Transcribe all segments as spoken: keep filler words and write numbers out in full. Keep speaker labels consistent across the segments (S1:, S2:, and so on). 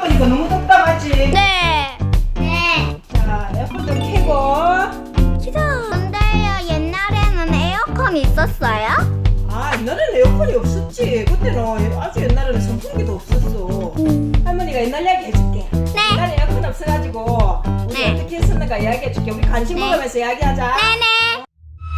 S1: 바쁘니까 너무 답답하지?
S2: 네.
S3: 네.
S1: 자, 에어컨 좀 켜고.
S2: 싫어. 근데요, 옛날에는 에어컨 있었어요?
S1: 아, 옛날에는 에어컨이 없었지. 그때는 아주 옛날에는 선풍기도 없었어. 할머니가 옛날 이야기 해줄게.
S2: 네.
S1: 옛날에 에어컨 없어가지고 우리
S2: 네.
S1: 어떻게 했었는가 이야기해줄게. 우리 간식
S2: 네.
S1: 먹으면서 이야기하자.
S2: 네네.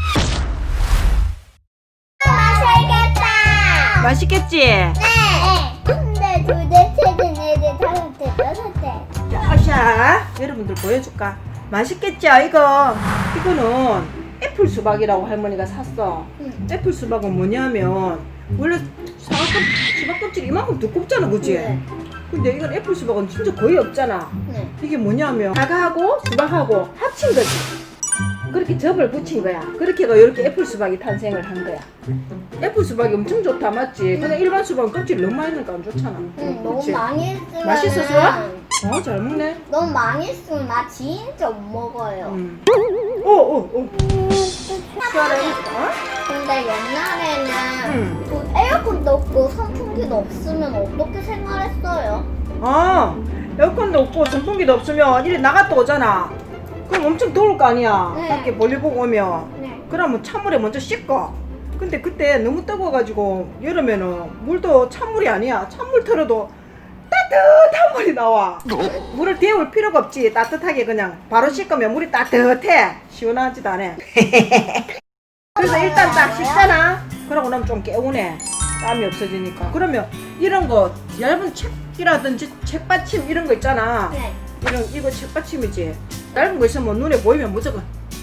S3: 맛있겠다.
S1: 맛있겠지?
S3: 네. 근데 둘째, 셋째, 넷째, 다섯째, 여섯째.
S1: 자, 아샤, 여러분들 보여줄까? 맛있겠죠? 이거 이거는 애플 수박이라고 할머니가 샀어.
S3: 응.
S1: 애플 수박은 뭐냐면 원래 사과 수박 껍질이 이만큼 두껍잖아, 그지?
S3: 네.
S1: 근데 이건 애플 수박은 진짜 거의 없잖아.
S3: 네.
S1: 이게 뭐냐면 사과하고 수박하고 합친 거지. 그렇게 접을 붙인 거야. 그렇게 해가 이렇게 애플 수박이 탄생을 한 거야. 애플 수박이 엄청 좋다, 맞지? 근데 일반 수박은 껍질 너무 많이 넣으니까 안 좋잖아.
S3: 응, 너무
S1: 그치?
S3: 많이 했으면.
S1: 맛있었어? 어, 잘 먹네.
S3: 너무 많이 했으면 나 진짜 못 먹어요.
S1: 음. 오, 오, 오. 시원해. 어?
S3: 근데 옛날에는
S1: 응.
S3: 그 에어컨도 없고 선풍기도 없으면 어떻게 생활했어요?
S1: 아, 에어컨도 없고 선풍기도 없으면 이리 나갔다 오잖아. 그럼 엄청 더울 거 아니야.
S3: 네.
S1: 밖에 볼일 보고 오면.
S3: 네.
S1: 그러면 찬물에 먼저 씻고. 근데 그때 너무 뜨거워가지고 여름에는 물도 찬물이 아니야. 찬물 틀어도 따뜻한 물이 나와. 물을 데울 필요가 없지. 따뜻하게 그냥 바로 씻으면 물이 따뜻해. 시원하지도 않아. 그래서 일단 딱 씻잖아. 그러고 나면 좀 개운해. 땀이 없어지니까. 그러면 이런 거 얇은 책이라든지 책받침 이런 거 있잖아.
S3: 네.
S1: 이런 이거 책받침이지. 얇은 거 있으면 눈에 보이면 무조건.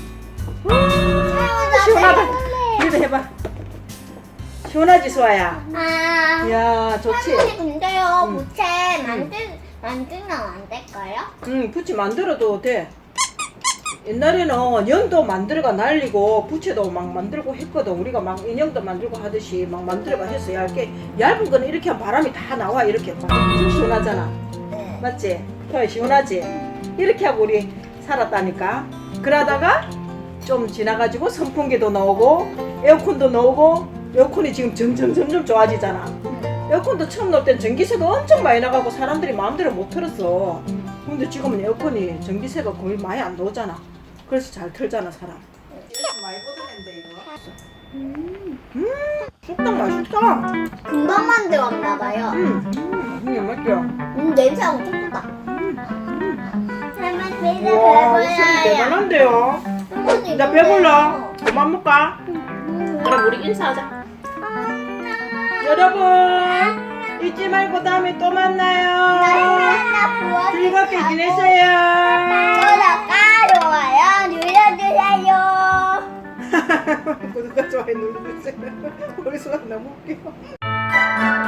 S1: 아, 시원하다. 이거 해봐. 시원하지, 수아야?
S3: 아.
S1: 이야, 좋지.
S3: 할머니 근데요
S1: 응.
S3: 부채 만들 만들면 안 될까요?
S1: 응, 부채 만들어도 돼. 옛날에는 연도 만들어가 날리고 부채도 막 만들고 했거든. 우리가 막 인형도 만들고 하듯이 막 만들어가 했어. 얇게. 얇은 거는 이렇게 하면 바람이 다 나와. 이렇게 엄청 시원하잖아.
S3: 네.
S1: 맞지? 더 시원하지? 이렇게 하고 우리 살았다니까. 그러다가 좀 지나가지고 선풍기도 나오고 에어컨도 나오고 에어컨이 지금 점점 점점 좋아지잖아. 에어컨도 처음 나올 땐 전기세가 엄청 많이 나가고 사람들이 마음대로 못 틀었어. 근데 지금은 에어컨이 전기세가 거의 많이 안 나오잖아. 그래서 잘 틀잖아, 사람. 많이 보드는데 이거. 음, 음, 쑥떡 맛있다.
S3: 금방 만들었나봐요.
S1: 음, 음, 맞죠?
S3: 음 냄새 엄청 좋다. 할머니 이제
S1: 와, 술
S3: 배불러요.
S1: 대단한데요.
S3: 할머니
S1: 나
S3: 이제
S1: 배불러. 그만 먹까? 그럼 우리 인사하자. 여러분, 잊지 말고 다음에 또 만나요. 즐겁게 지내세요.
S3: 구독과 좋아요 눌러주세요.
S1: 구독과 좋아요 눌러주세요. 우리 수아 너무 웃겨.